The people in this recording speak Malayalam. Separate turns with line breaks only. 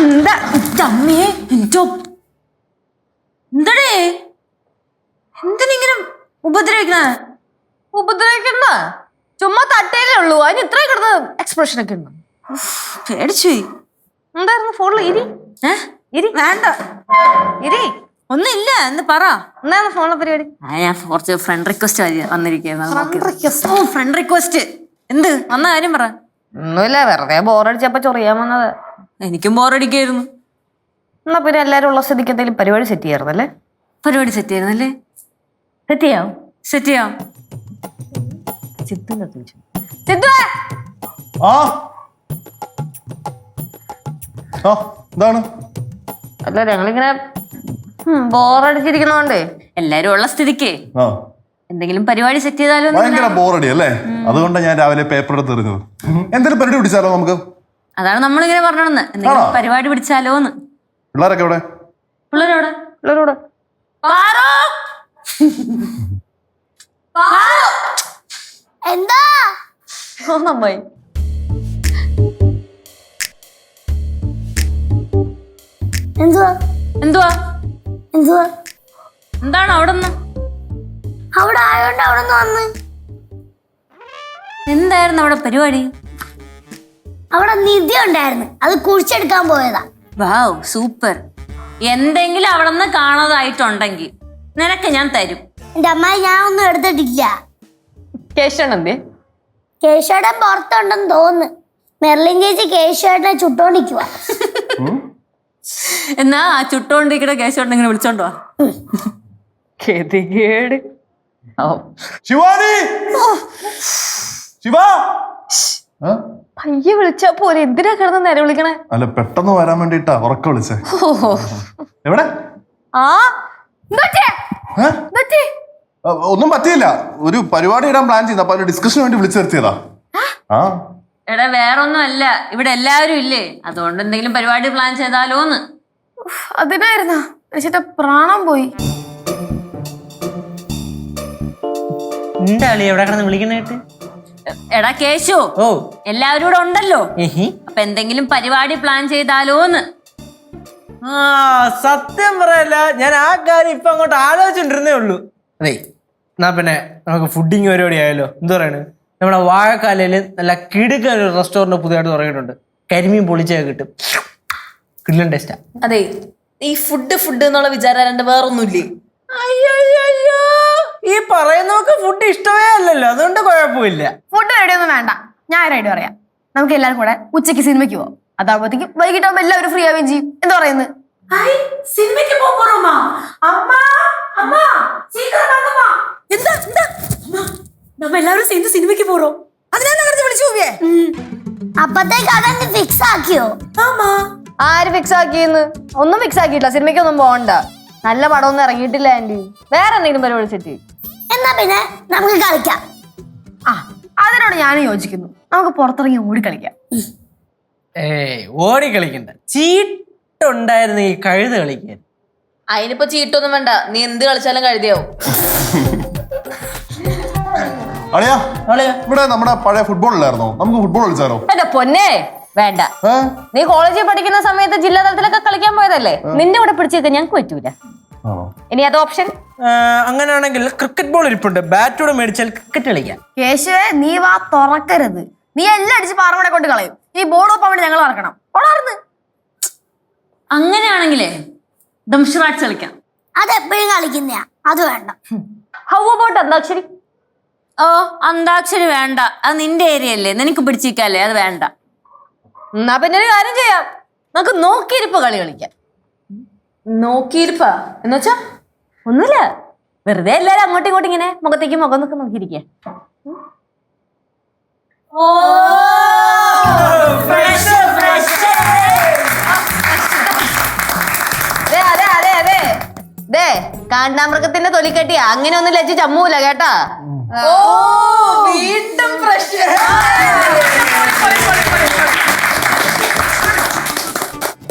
എന്താ അമ്മേ എന്തോ എന്തടേ എന്തിനിങ്ങനെ
ഉപദ്രവിക്കണ്ട ചുമ്മാ തട്ടേലേ ഉള്ളൂ അതിന് ഇത്രയും കിടന്ന് എക്സ്പ്രഷൻ ഒക്കെ ഉണ്ട്.
പേടിച്ചു
എന്തായിരുന്നു ഫോണിൽ ഇരി
വേണ്ട
ഇരി
ഒന്നുമില്ല എന്ന് പറ.
എന്തായിരുന്നു ഫോണിലെ പരിപാടി?
ഞാൻ കുറച്ച് ഫ്രണ്ട് റിക്വസ്റ്റ് വന്നിരിക്കുന്നത്. ഫ്രണ്ട് റിക്വസ്റ്റ് എന്ത് വന്ന കാര്യം പറ.
ഒന്നുമില്ല, വെറുതെ ബോറടിച്ചപ്പോ ചൊറിയാൻ വന്നത്.
എനിക്കും ബോറടിക്കായിരുന്നു.
എന്നാ പിന്നെ എല്ലാരും ഉള്ള സ്ഥിതിക്ക് എന്തെങ്കിലും പരിപാടി സെറ്റ് ചെയ്യാറുന്നല്ലേ?
പരിപാടി സെറ്റ് ചെയ്യുന്നല്ലേ?
സെറ്റ് ചെയ്യാം
സെറ്റ് ചെയ്യാം.
അല്ല ഞങ്ങളിങ്ങനെ ബോറടിച്ചിരിക്കുന്നോണ്ട്
എല്ലാരും ഉള്ള സ്ഥിതിക്ക് എന്തെങ്കിലും പരിപാടി സെറ്റ് ചെയ്താലോ.
ഭയങ്കര ബോറടി അല്ലേ? അതുകൊണ്ടാണ് ഞാൻ രാവിലെ പേപ്പർ എടുത്ത് എറിഞ്ഞത്. എന്തെങ്കിലും പരിപാടി പിടിച്ചാലോ നമുക്ക്?
അതാണ് നമ്മളിങ്ങനെ പറഞ്ഞോന്ന്, എന്തെങ്കിലും പരിപാടി പിടിച്ചാലോന്ന്.
പിള്ളേരൊക്കെ എവിടെ?
പിള്ളേരോട്
എന്താ
നന്നായി.
എന്തുവാ
എന്തുവാ
എന്തുവാ
എന്താണ് അവിടെ
അവിടെ ആയോണ്ട് അവിടെ വന്ന്
എന്തായിരുന്നു അവിടെ പരിപാടി?
അവിടെ നിധി ഉണ്ടായിരുന്നു, അത് കുഴിച്ചെടുക്കാൻ പോയതാ.
Wow super. എന്തെങ്കിലും അവിടെ നിന്ന് കാണാതായിട്ടുണ്ടെങ്കിൽ നിനക്ക് ഞാൻ തരും.
എന്റെ അമ്മായി ഞാൻ ഒന്നും എടുത്തിട്ടില്ല.
കേശവനെന്തേ?
കേശവേട്ടൻ പുറത്തുണ്ടെന്ന് തോന്നുന്നു. മെർലിൻ ചേച്ചി കേശവേട്ടനെ ചുട്ടോണ്ടിരിക്കുക.
എന്നാ ആ ചുട്ടോണ്ടിരിക്കണ കേശവട്ടൻ ഇങ്ങനെ വിളിച്ചോണ്ടോ.
ഗതികേട്.
ശിവാനി, ശിവ
പയ്യെ വിളിച്ചാ പോലെ എന്തിനാ കിടന്ന് നേരെ വിളിക്കണേ?
അല്ല പെട്ടെന്ന് വരാൻ വേണ്ടിട്ടാ ഉറക്ക വിളിച്ചേ. എവിടെ? ഒന്നും പറ്റിയില്ല, ഒരു പരിപാടി ഇടാൻ പ്ലാൻ ചെയ്യുന്നു. അപ്പൊ ഡിസ്കഷന് വേണ്ടി വിളിച്ചു നിർത്തിയതാ.
എടാ വേറൊന്നും അല്ല, ഇവിടെ എല്ലാവരും ഇല്ലേ, അതുകൊണ്ട് എന്തെങ്കിലും പരിപാടി പ്ലാൻ ചെയ്താലോന്ന്.
അതിനായിരുന്നാ ചേട്ടാ പ്രാണം പോയി.
എന്താളി എവിടെ കിടന്ന് വിളിക്കണേട്ട്?
എടാ കേശു, എല്ലാവരും ഇവിടെ ഉണ്ടല്ലോ, അപ്പൊ എന്തെങ്കിലും പരിപാടി പ്ലാൻ ചെയ്താലോന്ന്.
സത്യം പറയല്ല, ഞാൻ ആ കാര്യം ഇപ്പൊ അങ്ങോട്ട് ആലോചിച്ചിട്ടിരുന്നേ ഉള്ളൂ. അതെ, എന്നാ പിന്നെ നമുക്ക് ഫുഡിങ് പരിപാടി ആയാലോ? എന്ത് പറയണ്? നമ്മുടെ വാഴക്കാലയില് നല്ല കിടുക്കൻ ഒരു റെസ്റ്റോറന്റ് പുതിയതായിട്ട് തുടങ്ങിയിട്ടുണ്ട്. കരിമീൻ പൊളിച്ചൊക്കെ കിട്ടും, കിടിലൻ ടേസ്റ്റാ.
അതെ, ഈ ഫുഡ് എന്നുള്ള വിചാരം വേറൊന്നുമില്ലേ?
അയ്യോ, ഈ പറയുന്നവർക്ക് ഫുഡ് ഇഷ്ടമേ അല്ലല്ലോ, അതുകൊണ്ട് കുഴപ്പമില്ല.
ഫുഡ് റെഡി ഒന്നും വേണ്ട, ഞാൻ റെഡി പറയാം. നമുക്ക് എല്ലാവരും കൂടെ ഉച്ചയ്ക്ക് സിനിമയ്ക്ക് പോവാം. അതാകുമ്പോഴത്തേക്കും വൈകിട്ടാകുമ്പോ എല്ലാവരും ഫ്രീ ആവുകയും ചെയ്യും. എന്താ പറയുന്നത്?
സിനിമയ്ക്ക് പോറോമാ? നമ്മ എല്ലാവരും சேர்ந்து സിനിമയ്ക്ക് പോറോം. അതിനാണ് വിളിച്ചു പോവേ.
അപ്പത്തേക്ക് അതങ്ങ് ഫിക്സ് ആക്കിയോ?
ആര് ഫിക്സ് ആക്കിയെന്ന്? ഒന്നും ഫിക്സ് ആക്കിയിട്ടില്ല. സിനിമയ്ക്കൊന്നും പോകണ്ട, നല്ല പടമൊന്നും ഇറങ്ങിയിട്ടില്ല ആന്റി. വേറെ എന്തെങ്കിലും പരിപാടി സെറ്റ്.
എന്നാ പിന്നെ നമുക്ക് കളിക്കാം.
അതിനോട് ഞാനും യോജിക്കുന്നു. നമുക്ക് പുറത്തിറങ്ങി ഓടി കളിക്കാം.
ഓടി കളിക്കണ്ട, ചീട്ടുണ്ടായിരുന്നു ഈ കഴുത കളിക്കാൻ.
അതിനിപ്പോ ചീട്ടൊന്നും വേണ്ട, നീ എന്ത് കളിച്ചാലും കഴുതിയാവും.
അളിയാ, ഇവിടെ നമ്മുടെ പഴയ ഫുട്ബോൾ ഇല്ലായിരുന്നോ? നമുക്ക് ഫുട്ബോൾ കളിച്ചാലോ?
എന്റെ പൊന്നെ വേണ്ട. നീ കോളേജിൽ പഠിക്കുന്ന സമയത്ത് ജില്ലാ തലത്തിലൊക്കെ കളിക്കാൻ പോയതല്ലേ, നിന്റെ കൂടെ പിടിച്ചേക്കാൻ ഞങ്ങൾക്ക് പറ്റൂല. ഇനി അത് ഓപ്ഷൻ.
അങ്ങനെയാണെങ്കിൽ ക്രിക്കറ്റ് ബോൾ ഇരിപ്പുണ്ട്, ബാറ്റോടെ മേടിച്ചാൽ ക്രിക്കറ്റ് കളിക്കാം.
കേശുവേ, നീ വാ തുറക്കരുത്. നീ എല്ലാം അടിച്ച് പാറമട കൊണ്ട് കളയും. ഈ ബോർഡ് ഒപ്പം വേണ്ടി ഞങ്ങൾ നടക്കണം.
അങ്ങനെയാണെങ്കിലേ ദംഷറാട്സ് കളിക്കാം.
അതെപ്പോഴും കളിക്കുന്നയാ, അത് വേണ്ട.
How about antakshari?
അന്താക്ഷരി വേണ്ട, അത് നിന്റെ ഏരിയ അല്ലേ, നിനക്ക് പിടിച്ചിരിക്കല്ലേ, അത് വേണ്ട.
എന്നാ പിന്നെ ഒരു കാര്യം ചെയ്യാം, നമുക്ക് നോക്കിയിരിപ്പ് കളി കളിക്കാം. നോക്കിയിരിപ്പാ എന്ന് വെച്ചാ ഒന്നുമില്ല, വെറുതെ എല്ലാരും അങ്ങോട്ടും ഇങ്ങോട്ടും ഇങ്ങനെ മുഖത്തേക്ക് മുഖം നോക്കി നോക്കിയിരിക്കുക. അതെ, കാണ്ടാമൃഗത്തിന്റെ തൊലിക്കട്ടിയാ, അങ്ങനെ ഒന്നും ലജ്ജ ചമ്മൂല കേട്ടാ. വീണ്ടും പ്രശ്നം.